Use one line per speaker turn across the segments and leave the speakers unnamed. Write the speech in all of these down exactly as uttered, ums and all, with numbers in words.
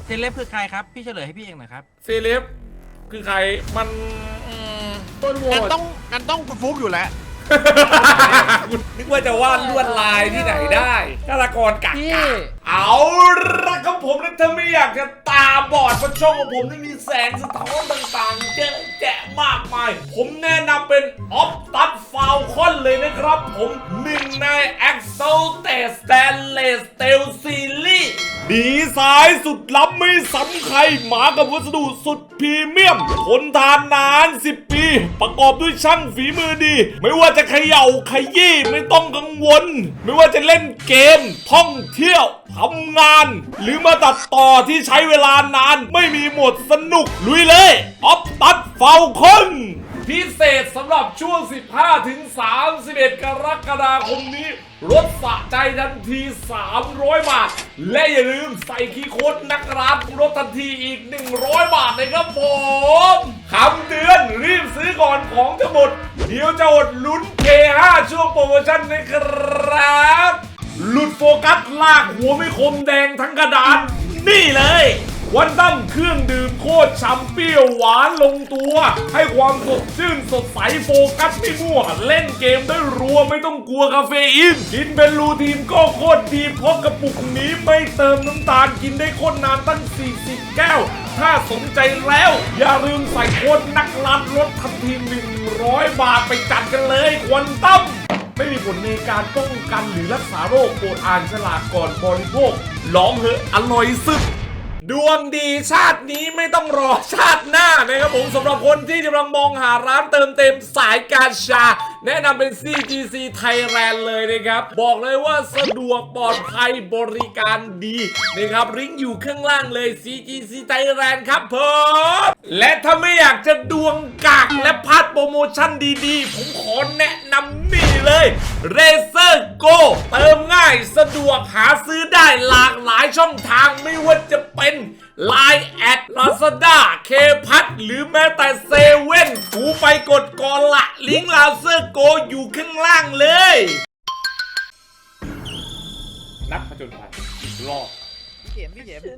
เซเลบคือใครครับพี่เฉลยให้พี่เองหน่อยครับ
เซเลบคือใครมัน
ต้นโหวตต้องงั้นต้องคุณฟุกอยู่แล้ว
นึกว่าจะวาดลวดลายที่ไหนได้ฆาตกรกักกะเอาละครับผมนะถ้าไม่อยากจะตาบอดเพราะช่องของผมนี่มีแสงสะท้อนต่างๆเยอะแยะมากมายผมแนะนำเป็นออฟตัดฟาวคอนเลยนะครับผมหนึ่งใน Exalted Stainless Steel Series ดีไซน์สุดล้ำไม่ซ้ำใครมากับวัสดุสุดพรีเมียมทนทานนานสิบปีประกอบด้วยช่างฝีมือดีไม่ว่าจะเขย่าขยี้ไม่ต้องกังวลไม่ว่าจะเล่นเกมท่องเที่ยวทำงานหรือมาตัดต่อที่ใช้เวลานานไม่มีหมดสนุกลุยเลยออฟตัดฟาวคอนพิเศษสำหรับช่วง สิบห้าถึงสามสิบเอ็ด กรกฎาคมนี้ลดสะใจทันทีสามร้อยบาทและอย่าลืมใส่คีย์โค้ดนักร้านลดทันทีอีกหนึ่งร้อยบาทเลยครับผมคำเตือนรีบซื้อก่อนของจะหมดเดี๋ยวจะอดลุ้น เค ห้า ช่วงโปรโมชั่นนะครับหลุดโฟกัสลากหัวไม่คมแดงทั้งกระดานนี่เลยวันตั้มเครื่องดื่มโคตรช้ำเปรี้ยวหวานลงตัวให้ความสดชื่นสดใสโฟกัสไม่มั่วเล่นเกมได้รัวไม่ต้องกลัวคาเฟอีนกินเป็นรูทีนก็โคตรดีเพราะกระปุกนี้ไม่เติมน้ำตาลกินได้โคตรนานตั้งสี่สิบแก้วถ้าสนใจแล้วอย่าลืมใส่โค้ดนักลัดลดทันทีหนึ่งร้อยบาทไปจัดกันเลยควันตั้มไม่มีผลในการป้องกันหรือรักษาโรคโปรดอ่านฉลากก่อนบริโภคลองเหอะอร่อยสุดดวงดีชาตินี้ไม่ต้องรอชาติหน้านะครับผมสำหรับคนที่กำลังมองหาร้านเติมเต็มสายการชาแนะนำเป็น ซี จี ซี Thailand เลยนะครับบอกเลยว่าสะดวกปลอดภัยบริการดีนะครับลิงก์อยู่ข้างล่างเลย ซี จี ซี Thailand ครับผมและถ้าไม่อยากจะดวงกากและพลาดโปรโมชั่นดีๆผมขอแนะนำนี่เลย Razer Go เติมง่ายสะดวกหาซื้อได้หลากหลายช่องทางไม่ว่าจะเป็นไลน์ แอด ลาซาด้า เคพัทหรือแม้แต่เซเว่นกูไปกดก่อนละลิงก์ Razer Go อยู่ข้างล่างเลยนักผจญภัยรอบ
พี่เข็มพี่เข็ม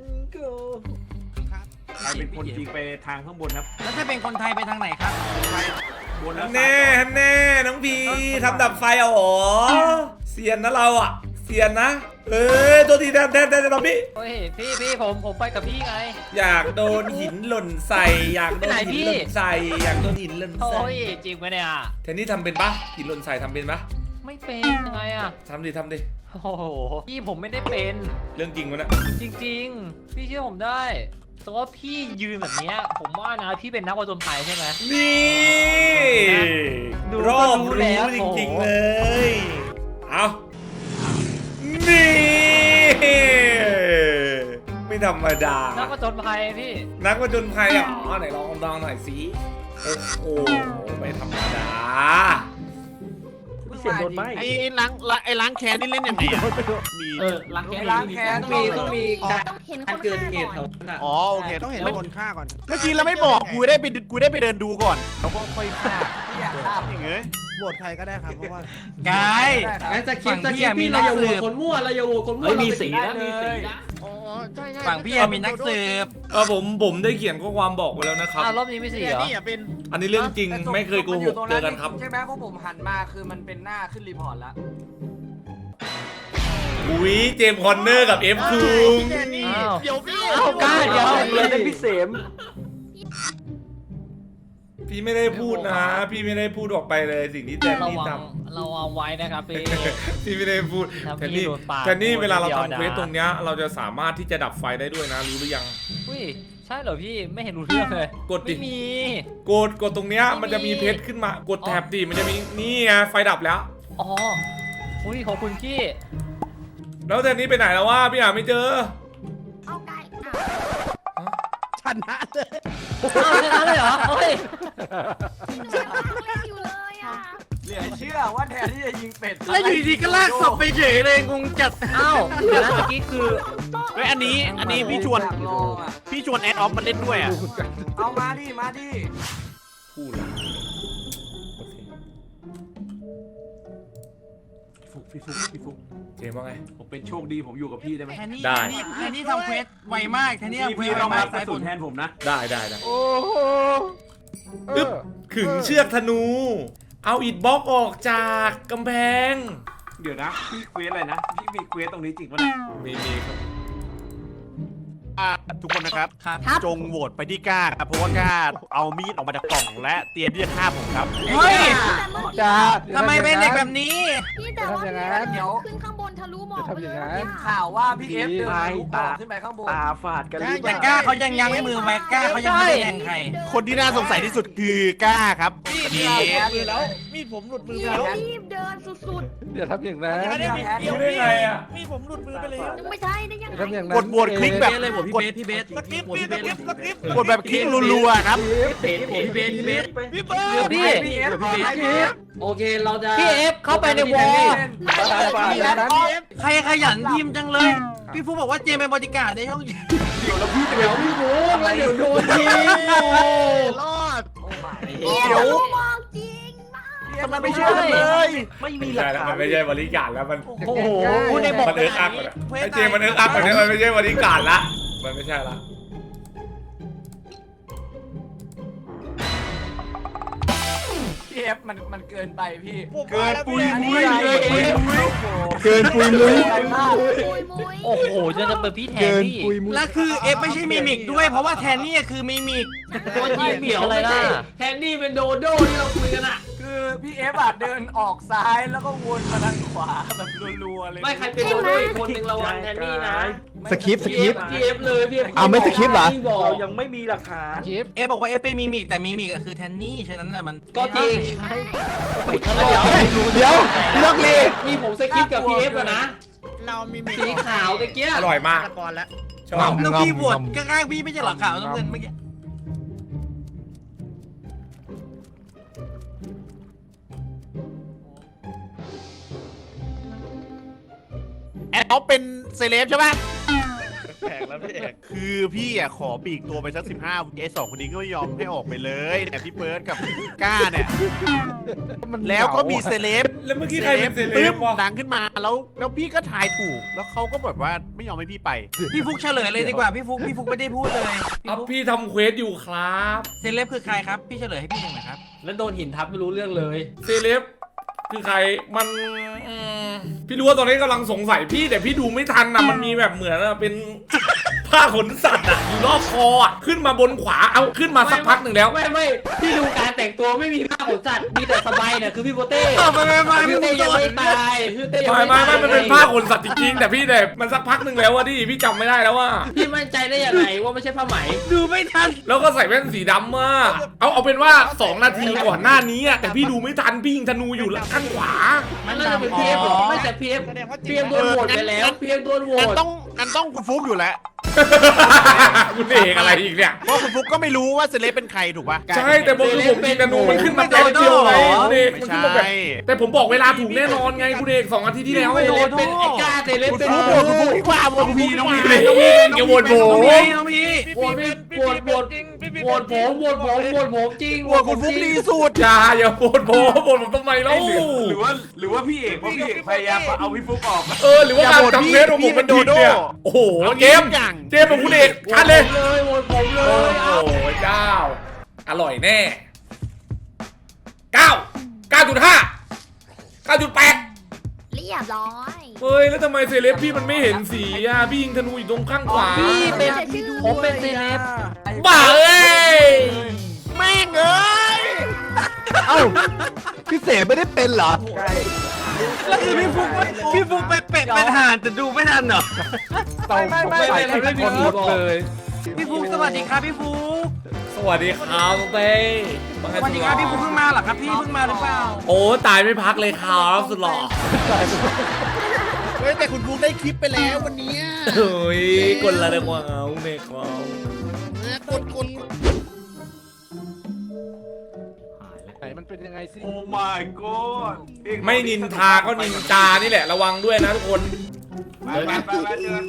ใครเป็นคนยิงไปทางข้างบนครับ
แล้วถ้าเป็นคนไทยไปทางไหนครับ
บนแล้ว
แน่แน่น้องพีทำดับไฟเอาหรอเสียนนะเราอ่ะเสียนนะเอ้ยตัวทีแดนแดนแดนตอนพี่
โอ้ยพี่พี่ผมผมไปกับพี่ไง
อยากโดนหินหล่นใส่อยากโดนหินหล่นใส่อยากโดนหินหล่น
โอ้
ใส่
ยจริงไหมเนี่ย
แทนนี่ทำเป็นปะหินหล่นใส่ทำเป็นปะ
ไม่เป็นยังไงอ่ะ
ทำดิทำดิ
โอ้โหพี่ผมไม่ได้เป็น
เรื่องจริงวะนะ
จริงๆ พี่เชื่อผมได้แต่ว่าพี่ยืนแบบเนี้ยผมว่านะพี่เป็นนักผจญภัยใช่ไหม
นี่
ดู
รอบ
ก็รู้
รู้
แล้ว
จริงๆเลยเอานี่ไม่ธรรมดา
นักผจญภัยพี่
นักผจญภัยอ่ะอ๋อไหนลองลองหน่อยสิโอ้โหไม่ธรรมดา
เสียงโดนไหมไอ้ล้างไอ้ล้างแค้นนี่เล่นยังไงอ่ะมี
เออล้างแค้น
ล้างแค้น
ต้องมีต้องมีการ
ต้องเห็นค
การ
น
เกิด
ฆ่า
เหตุ
ก่อน
เขาน่ะ
อ๋อโอเคต้องเห็นคนฆ่าก่อนเมื่อกี้เราไม่บอกกูได้ไปกูได้ไปเดินดูก่อนแล้วก็ค่อยฆ่าอย่างเงี้ยโหวตใครก็ได้ครับเพราะว่าก
าย
งั้นจะคิดจะคิดพี่เราอย่าโหวตคนมั่วเราอย่าโหวตคนมั่ว
เฮ้ยมีสีนะ
มีสีนะ
อ๋อใช่ใช่
ฝั่งพี่มีนักสืบ
เออผมผมได้เขียนข้อความบอกไว้แล้วนะครับ
อ้าวรอบนี้ไม่สีเหรอ
นี่อ่ะเป็น
อันนี้เรื่องจริงไม่เคยโกหกเจอกันครับ
ใช่ไหมเพราะผมหันมาคือมันเป็นหน้าขึ้นรีพอร์ตแล้ว
อุ้ยเจมส์คอนเนอร์กับเอฟคุง
อ้าว
เดี๋ยวพี่
อ้าวกล้าเดี๋ยว
เลยได้พี่เสม
พี่ไม่ได้พูดนะ พี่ไม่ได้พูดออกไปเลยสิ่งที่แทน
ระ
นี่
วั
ท
งเราเอาไว้นะครับพี่
ำพี่ไม่ได้พูด
ถ้า
แทน
พี่
นี่
โดนปาด
แทนนี่เวลาเรา
เดียว
ทำ
นะ
เควสตรงเนี้ยเราจะสามารถที่จะดับไฟได้ด้วยนะรู้หรือยัง
อุ้ยใช่เหรอพี่ไม่เห็นรู้เรื่องเลย
กดดิ
ไม่มี
กดกดตรงเนี้ย
ไม่มี
มันจะมีเพชรขึ้นมากดแท็บดิมันจะมีนี่ไงไฟดับแล้ว
อ๋ออุ้ยขอบคุณพี่
แล้วแทนนี่ไปไหนแล้ววะพี่หาไม่เจอ
เอาไก่อ่ะ
ชนะเลย
อ้าวชนะเลยเหรอเฮ้ย
หนูยังนั่งเล่นอยู่เลยอ่ะ
เหลือเชื่อว่าแทนที่จะยิงเป็ด
แล้วอยู่ดีๆก็ลากศพไปเฉยเลยงงจัด
อ้าวเดี๋ยวนะเมื่อกี้คือ
เฮ้ยอันนี้อันนี้พี่ชวน
อยากลองอ่ะ
พี่ชวนแอดออฟมาเล่นด้วยอ่ะ
เอามาดิมาดิ
พูดละโอเค
พี่ฟุกพี่ฟุก
เจมส์ว่าไง
ผมเป็นโชคดีผมอยู่กับพี่ได้ไหม
แทนนี่
ได้
แทนนี่ทำเควสไวมากแทนนี่
พี่
ทำเคว
พี่
สไว
ต้อง
มา
รั
ก
บกระสุนแทนผมนะ
ได้ได้ได้
โอ้โห
อึ๊บขึงเชือกธนู เอาอิฐบล็อกออกจากกำแพง
เดี๋ยวนะพี่เควสอะไรนะพี่มีเควสตรงนี้จริงปะเนี่ย
มีมีครับ
อ่ะทุกคนนะครับ
ครับ
จงโหวตไปที่กล้าครับเพราะว่ากล้าเอามีดออกมาจากกล่องและเตรียมที่จะฆ่าผมครับ
เฮ้ย
จ้า
ทำไมเป็นเด็กแบบนี้
พี่แต่ว่าพี่เดี๋ยวขึ้นข้างบนทะลุหมอกไปเลย
เห็นข่าวว่าพี่เอฟเดินทะลุบอกขึ้นไปข้างบน
ตาฝาดกันหรือเป
แต่
ล่า
กล้าเขายังยั้งมือไว้กล้าเขายังไม่ได้แทงใคร
คนที่น่าสงสัยที่สุดคือกล้าครับ
พี่มือแล้ว
มีดผมหลุดมือ
พี่
ไปแล้ว
รีบเดินสุด
อย่าทำอย่างนั้น
แทน
รู้ได้ไงอ่ะ
มีดผมหลุดมือไปแล้ว
ๆยังไม่ใช่ได้ยัง
อย่า
ไง
ทำอย่างนั้น
กดโหวตคลิกแบบ
เลยผมพี่เบสพี่เบส
สกิป
ผม
พี่
พี่
ส
เบ
กิ
ส
ปสกิปกดแบบคลิกรัวๆครับ
ผมพี่เบสพี่เบส
พี่เบิร์ด
พี่
พี่เอฟขอให้พี่เอฟ
โอเคเราจะพี่เอฟเข้าไปในวอล
พี่แล้ว
ใครขยันพิมพ์จังเลย พี่ฟูบอกว่าเจมเป็นบริการในช่อง
เดี๋ยวพี่บูมแล้วเดี๋ยวโดนที
รอด
โอ้ my
พี่ทะลุหมอกจริงมาก
ทำไมไม่ช่วยกันเลย
ไม่มี
ไม่
หลัก
ใช่แล้ว
ฐา
มัน นไม่ใช่บริการแล้วมัน
โอ้โห
พูดในบอก
มันเอิร์กอักก่อนอะไอเจมส์มันเอิร์กอักก่อนเนี่ยมันไม่ใช่บริการละมันไม่ใช่ละ
พี่เอฟมันมันเกินไปพี่
เกินปุยมุ้ย
เกินปุยมุ้ย
เกินปุยมุ้ย
มุยมุย
โอ้โหจะจะเป็นพี่แทน
เกิน
นี่
ปุยมุ้ย
แล้วคือเอฟไม่ใช่มิมิกด้วยเพราะว่าแทนนี่คือมิมิก
ตัวจริงเหมียวอะไรล่ะแทนนี่เป็นโดโด้ที่เราคุยกันอะ
คือพี่เอฟอะเดินออกซ้ายแล้วก็วนมาทางขวาแบบรัวๆเลย
ไม่ใครเป็นโดโด้อีกคนหนึ่งระวังแทนนี่นะ
สคริปต์สคริปต์
พี่เอฟเลยพี่เอฟ
เอาไม่สคริปต์เหรอ
พี่บอก
เรายังไม่มีหลักฐาน
คลิป
เอฟบอกว่าเอฟเป็นมิมิกแต่มิมิกคือแทนนี่ฉะนั้นน่ะมัน
ก็จริง
เดี๋ยวเลิกเลย
มีผมสกิปกับพี่เอฟอะนะ
เรามี
สีขาวตะเกีย
อร่อยมาก
ก่อนแล้ว
ชอบ
น้องพี่บวชข้างๆพี่ไม่ใช่หรอขาวน้ำเงินเมื่อกี้
แอดออฟเป็นเซเลบใช่ไหม
แปลกแล้วพี่เอก
คือพี่อ่ะขอปีกตัวไปสักสิบห้าไอ้สองคนนี้ก็ไม่ยอมให้ออกไปเลยเนี่ยพี่เบิร์ดกับก้าเนี่ย แล้วก็มีเซเลบ
แล้วเมื่อกี้ใครเป็นเซเล
ปึ๊
บบ วะ
ดังขึ้นมาแล้วแล้วพี่ก็ถ่ายถูก แล้วเขาก็แบบว่าไม่ยอมให้พี่ไป
พี่ฟุกเฉลยเลยดีกว่าพี่ฟุกพี่ฟุกไม่ได้พูดเลยพี่
อัพ
ฟุก
พี่ทำเควสอยู่ครับ
เซเลบคือใครครับพี่เฉลยให้พี่หน่อยนะครับ
แล้วโดนหินทับไม่รู้เรื่องเลย
เซเลบคือใครมันอืมพี่รู้ว่าตอนนี้กำลังสงสัยพี่แต่พี่ดูไม่ทันนะมันมีแบบเหมือนอะเป็น ผ้าขนสัตว์อะอยู่รอบคออะขึ้นมาบนขวาเอาขึ้นมาสักพักหนึ่งแล้ว
ไม่ไม่พี่ดูการแต่งตัวไม่มีผ้าขนสัตว์มีแต่สบายเนี่ยคือพี่โปเต้
ไม่ไม่ไม่
พี่
ไม่
เต้
ไม่
ยังไม่ตายพี่เต้ยัง
ไม่
ไม่
ไม่
ตาย
ไม่มันเป็นผ้าขนสัตว์จริงๆแต่พี่แต่มันสักพักหนึ่งแล้วว่าดิพี่จำไม่ได้แล้วว่า
พี่มั่นใจได้ยังไงว่าไม่ใช่ผ้าไหม
ดูไม่ทัน
แล้วก็ใส่แว่นสีดำมากเอาเอาเป็นว่าสองนาทีก่อนหน้านี้อะแต่พี่ดูไม่ทันพี่ยิงธนูอยู่ข้างขวา
มันน่าจะเป็นพีเอฟไม่แต่พีเอฟพีเอฟโดนโหวตไปแล้วพีเอฟโดนโหว
งั้น
ต
ต้องงั้นต้องคุณฟุกอยู่แล้ว
คุณเอกอะไรอีกเนี่ย
เพราะคุณฟุกก็ไม่รู้ว่าเซเลบเป็นใครถูกปะ
ใช่แต่ผมคือผมยิงธนูมันขึ้นมาแป๊บเดียวไงคุณเอก
ไม่
มันขึ้น
ใช่
มาแบบแต่ผมบอกเวลาถูกแน่นอนไงคุณเอกสองอาทิตย์ที่แล้ว
เซเลบเป็นไอ้กล้าเซเลบ
คุณ
เป็น
ฟุกโหวตคุณฟุกดีกว่าโหวตคุณฟุกดีกว่า
น้องพี่เกี่ยวโหวตผม
น้องพี่น้องพี่
โหวตไม่โหวตโหวตโหวตผมโหวตผมโหวตผมจริง
โหวตคุณฟุกดีสุด
อย่าอย่าโหวตผมโหวตผมทำไมแล้ว
หรือว่าหรือว่าพี่เอกเพราะพี่เอกพยายามเอาพี่ฟุกออก
เออหรือว่าการทำเฟซของผมมันผิดเนี่ยโอ้โหเกมเกมของคุณเอกชัดเลย
เลยโหวตผมเล
โอ้
ย
โหเจ้าอร่อยแน่เก้าเก้าจุดห้าเก้าจุดแปด
เรียบร้อย
เฮ้ยแล้วทำไมเซเลบพี่มันไม่เห็นสีอ่ะพี่ยิงธนูอยู่ตรงข้างขวา
พี่เป็นผมเป็นเซเลบ
บ้าเอ้ย
แม่งเอ้ย
เอ้าพี่เสมไม่ได้เป็นเหรอ
แล้วคือพี่ฟุกพี่ฟุกไปเป็ดเป็นห่านแต่ดูไม่ทันเหรอ
เตา
ไม่ไม่ไม่ไม่ไม่มี
คนหมดเลย
พี่ฟุกสวัสดีครับพี่ฟุก
สวัสดีครับน้องเต้
สวัสดีครับพี่ฟุกเพิ่งมาเหรอครับพี่เพิ่งมาหรือเปล่า
โอ้ตายไม่พักเลยครับสุดหล่อ
เฮ้ยแต่คุณฟุกได้คลิปไปแล้ววันนี้
เฮ้ยกดละเรื่องว่าเอาเมฆเขา
กดกด
ไหนมันเป็นยังไงสิ
โอ้ my god
ไม่นินทาก็นินจานี่แหละระวังด้วยนะทุกคน
ไปไปไปไปเจอไป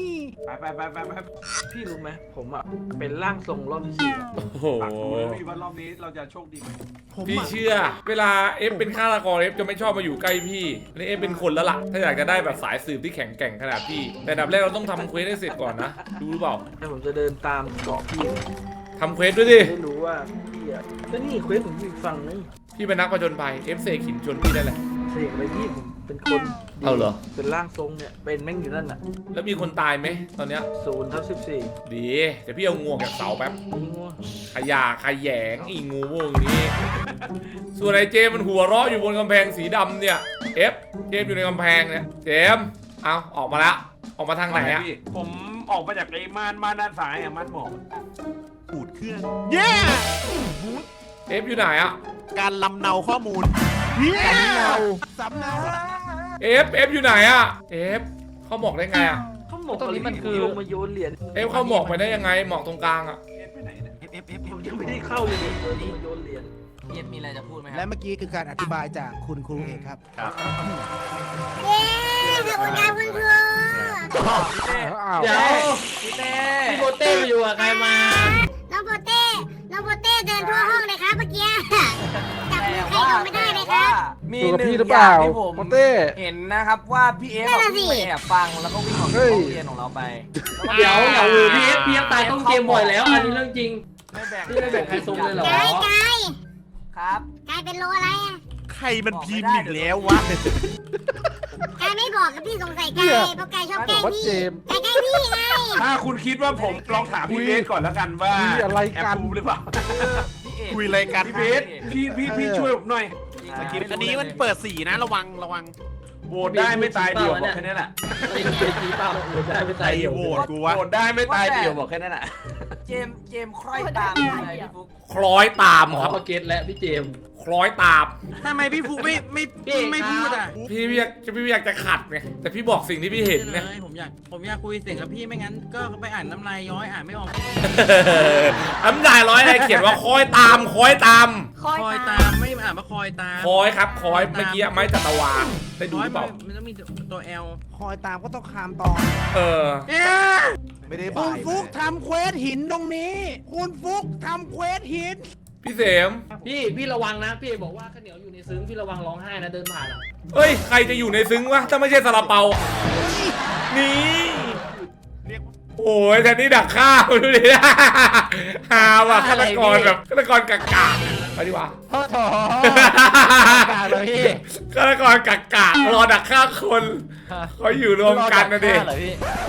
ไปไปไปไปพี่รู้ไหมผมอ่ะเป็นร่างทรงรอบที่สี่
โอ้โห
ฝากดูนะพี่ว่ารอบนี้เราจะโชคดีไหม
พี่เชื่อ เวลาเอฟเป็นฆาตกรเอฟจะไม่ชอบมาอยู่ใกล้พี่นี่เอฟเป็นคนแล้วล่ะถ้าอยากจะได้แบบสายสืบที่แข็งแกร่งขนาดพี่แต่อันดับแรกเราต้องทำเควสให้เสร็จก่อนนะรู้หรือเปล่า
ให้ผมจะเดินตามเกาะพี่
ทำเควสด้วยดิ
ได้รู้ว่าพี่อ่ะก็นี่เควสผมอยู่อีกฝั่งนึง
พี่เป็นนักผจญภัยเอฟเสกหินชนพี่ได้แหละ
เสกไปพี่ผมเป็นคน
เอาเหรอ
เป็นร่างทรงเนี่ยเป็นแม่งอยู่นั่นน่ะ
แล้วมีคนตายไหมตอนเนี้ย
ศูนย์ทับสิบสี่
ดีเดี๋ยวพี่เอางวงจากเสาแป๊บ
ยิงวะ
ขยะขยงอีงูพวกนี้ ส่วนไอ้เจมมันหัวเราะอยู่บนกำแพงสีดำเนี่ยเอฟเจมอยู่ในกำแพงเนี่ยเจมเอาออกมาละออกมาทางไหนอะ
พี่ผมออกมาจากไอ้ม่านม่านด้านซ้ายอ่ะม่านหมอก
ปูดเครื่องเย้
เอฟอยู่ไหนอะ
การลำเนาข้อมูล
สำเนาสำเนา
เอฟเอฟอยู่ไหนอะเอฟเข้าหมอกได้ไงอะ
เขาหมอก
ตรงนี้มันคือ
ลงมาโยนเหรียญ
เอฟเข้าหมอกไปได้ยังไงหมอกตรงกลางอะ
ไปไหนเนี่ย
เอฟเอฟเอฟ
ผมยังไม่ได้เข้าเลยเนี่ยเออลงมาโยนเหรียญ
เย็นมีอะไรจะพูดไหมค
และ
รับ
เมื่อกี้คือการอธิบายจากคุณครูเอกครับ
เย้ขอบคุณครับคุณครู
เดี๋ยวพี่เต้พี่โบเต้มาอยู่กับใครมา
น้องโปเต้น้องโปเต้เดินทั่วห้องเลยครับเมื่อกี้จับมือใครลงไม่ได้เลยครับ
มี
อยู่กับ
หนึ่ง
พี่หรือ
อ
เป
ย่า
ล่าง
ที่ผม
โปเต้
เห็นนะครับว่าพี่เอฟ
นั่น
เอา
น่ะสิ
ไปแอบฟังแล้วก็วิ่งออกจาก
เฮ้ย
ห้องเรียนของเราไป
เดี๋ยวเดี๋ยวพี่เอฟพี่เอฟตายต้องเกมบ่อยแล้ว อันนี้เรื่องจริง
ไม่แบ่ง
พี่ไม่แบ่งใครซุ่มเลยเหรอ
กายกาย
ครับ
กายเป็นโลอะไรอ่ะ
ใครมันพิมพ์อีกแล้ววะ
กายไม่บอกกับพี่สงสัยกายเพราะกายชอบแกล้ง
ว่า
พี่
เจมส์
กายแกล้งพี่ไง
ถ้าคุณคิดว่าผมลองถามพี่เบสก่อนแล้วกันว่า
คุยอะไร
แอบ
กัน
ดูหรือเปล่า
พี่เอก
คุยอะไรกัน
พี่เบสพี่พี่พี่ช่วยผมหน่อย
อันนี้มันเปิดสีนะระวังระวัง
โหวตได้ไม่ตายเดียวบอกแค่นี้แหละ
จริงจริงจริงเปล่าได้ไม่
ใคร
ตายเดียว
โหวตกูวะ
โหวตได้ไม่ตายเดียวบอกแค่นั้นแหละ
เจมส์เจมส์คล้อยตามอะไรพี่ฟุ๊ก
คล้อยตาม
ขอ
ครับ
มาเก็ตและพี่เจมส์
คล้อยตาม
ทำไมพี่ฟุกไม่ไม่ไม่พูดอ่ะ
พี่อยากพี่อยากจะขัดไงแต่พี่บอกสิ่งที่พี่เห็นไง
ผมอยากผมอยากคุยเสียงกับพี่ไม่งั้นก็ไปอ่านน้ำลายย้อยอ่านไม่ออก
น้ำลายร้อยอะไรเขียนว่าคอยตามคอยตาม
คอย
คอย
ตา
ตามไม่อ่านว่าคอยตาม
คอยครับคอยเมื่อกี้ไม้จัตวาได้ดู
ร้อ
ห
ย
รือเปล่า
มันต้องมีตัวแอล
คอยตามก็ต้องคามตอน
เออ
ไม่ได้
คุ
บ่า
ณ
ย
ฟุกทำเควสหินตรงนี้ คุณฟุกทำเควสหิน
พี่เสม
พี่พี่ระวังนะ พี่เอกบอกว่าข้าวเหนียวอยู่ในซึ้งพี่ระวังร้องไห้นะเดินผ่านอ่ะ
เอ้ยใครจะอยู่ในซึ้งวะถ้าไม่ใช่ซาลาเปานี่โอ้ยแต่นี่ดักข้าวดูดิฮาว่ะฆาตกรแบบฆาตกรกากาไปดีกว่า
โอ้โหกาเลยพี่
ฆาตกรกาการอดักฆ่าคนเขาอยู่รวมกันนะดิ
เหรอพี่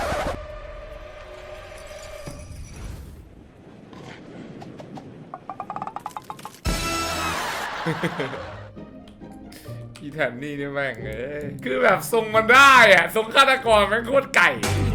อีแทนนี่นี่แม่งเอ้ยคือแบบทรงมันได้อะทรงฆาตกรแม่งโคตรไก่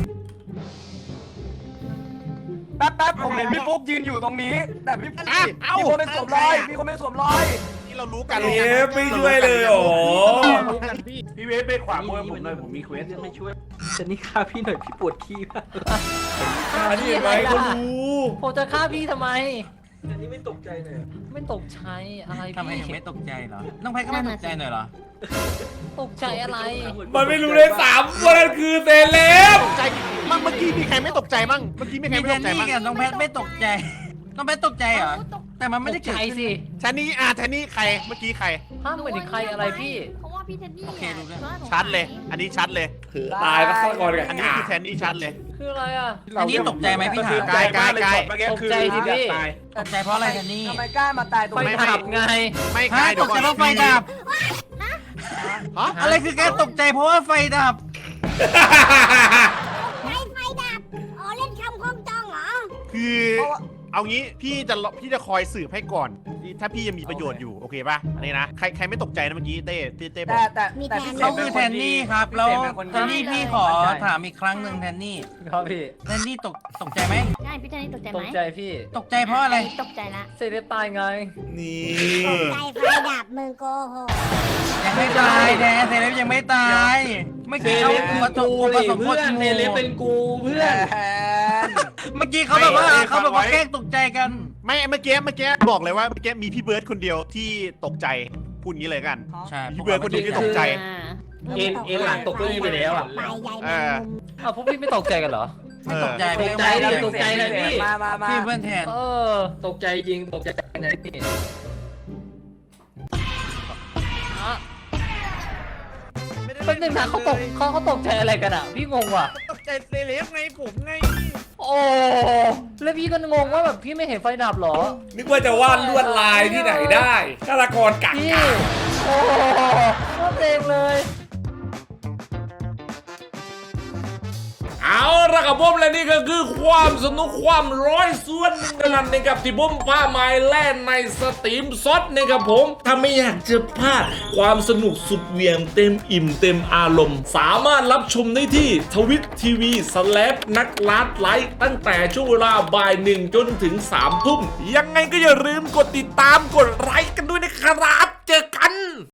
แป๊บแป๊บผมเห็นพี่ฟุ๊กยืนอยู่ตรงนี้ แต่พี่ฟุ๊ก
อ่ะเอ้า
มีคนไม่สวมรอยมีคนไม่สวมรอย
นี่เรารู้กัน
เอ๊ะไม่ช่วยเลยเหรอ
พี่เบสไปขวามือผมหน่อยผมมีเควสไม่ช่วยจะนี่ฆ่าพี่หน่อยพี่ปวดขี้มาก
อันนี้เห็นไหมเขารู้
ผมจะฆ่าพี่ทำไม
อันนี้ไม่ตกใจเลย
ไม่ตกใจอะไร
ทำไม
พี่
ยังไม่ตกใจเหรอน้องแพทก็ไม่ตกใจหน่อยเหรอ
ตกใจอะไร
มันไม่รู้เลยสามว่านั่นคือเซเลบ
ใจมั่งเมื่อกี้มีใครไม่ตกใจมั่งเมื่อกี้มีใคร
มี
ไม่
แท
ต
น
กใจ
นี่
มั่ง
กับน้องแพทไม่ตกใจน้องแพทตกใจเหรอแต่มันไม่
ไม่
ได้
ได้
เกิด
ใจ
ขึ้น
สิ
แทนนี่อ่ะแทนนี่ใครเมื่อกี้ใคร
ห้ามเหมือนใครอะไรพี่
เพราะว่าพี่เทนนี่
โอเครู้เรื่อง
ชัดเลย อันนี้ชัดเลย
คือตายแล้วฆาตกรกับ
อันนี้
กา
คือแทนนี่ชัดเลย
คืออะไรอ่ะ
อันนี้ตกใจไหมพี่ถาม
กายกายกาย
ตกใจสิพี่
ตกใจเพราะอะไรแทนนี่
ทำไมกล้ามาตายตรง
ไฟ
นี้
ดับไง
ไม่
ฮะ
กาย
ต
เดี๋ยว
ก
ก่
ใจ
อน
เพราะไฟดับ
ฮะ
อะไรคือการตกใจเพราะว่าไฟดับ
ไฟไฟดับ อ๋อเล่นคำคล้องจองเหรอ
คือเอางี้พี่จะพี่จะคอยสืบให้ก่อน ถ้าพี่ยังมีประโยชน์อยู่โอเคป่ะอันนี้นะใครใครไม่ตกใจนะเมื่อกี้เต้เต้บอ
แต่
ก
แต่
มี
แต่
แทน
พี่
เขาคือแทนนี่ครับแล้วแทนนี่พี่ขอ
ใช่
ถามอีกครั้งหนึ่งแทนนี่
ครับพี่
แทนนี่ตกตกใจไหม
ใช่พี่เทนนี่ตกใจ
ต
ไหม
กใจพี่
ตกใจเพราะอะไร
ตกใจละ
เซเลบตายไง
นี่
ตกใจไฟดับมึงโกหก
ยังไม่ตายแดนเซเลบยังไม่ตายเมื่อ
เซ
กี้
เล
เขา
บ
ป
เป็น
ระส
กู
บ
ดิ
ประสบ
เพื่อนเซเลบเป็นกูเพื่อน
แทน
เมื่อกี้เขาแบบว่าเขาแบบว่าแกล้งตกใจกัน
ไม่เมื่อกี้เมื่อกี้บอกเลยว่าเมื่อกี้มีพี่เบิร์ดคนเดียวที่ตกใจพูดงี้เลยกัน
ใช่
พี่เบิร์ดคนเดียวที่ตกใจ
เอ็นเอ็นหลังตกเก้าอี้ไปแล้วอ่ะ
ไปใหญ่
เอ
แมง
อ
มุม
อ้าวพวกพี่ไม่ตกใจกันเหรอ
ไม่ตกใจ
ตกใจเลยตกใจเลยพี่
มามามา
พี่เพื่อนแทน
เออ
ตกใจจริงตกใจไหนพี่
อะแป๊บนึงนะเขาตกเขาเขาตกใจอะไรกันอ่ะ พี่งงว่ะ
ตกใจเซเลบไงผมไง
โอ้แล้วพี่ก็งงว่าแบบพี่ไม่เห็นไฟดับเหรอ
นึกว่าจะวาดลวดลายที่ไหนได้ฆาตกรกัก
พี่
กะ
โอ้โคตรเต็มเลย
เอาละครับผมและนี่ก็คือความสนุกความร้อยส่วนหนึ่งกันนะครับที่ผมพาไม้แล่นในสตรีมซดนะครับผมถ้าไม่อยากจะพลาดความสนุกสุดเหวียงเต็มอิ่มเต็มอารมณ์ สามารถรับชมได้ที่ทวิตทีวีสแลปนักลัดไลฟ์ตั้งแต่ช่วงเวลาบ่ายหนึ่งจนถึงสามทุ่มยังไงก็อย่าลืมกดติดตามกดไลค์กันด้วยนะครับเจอกัน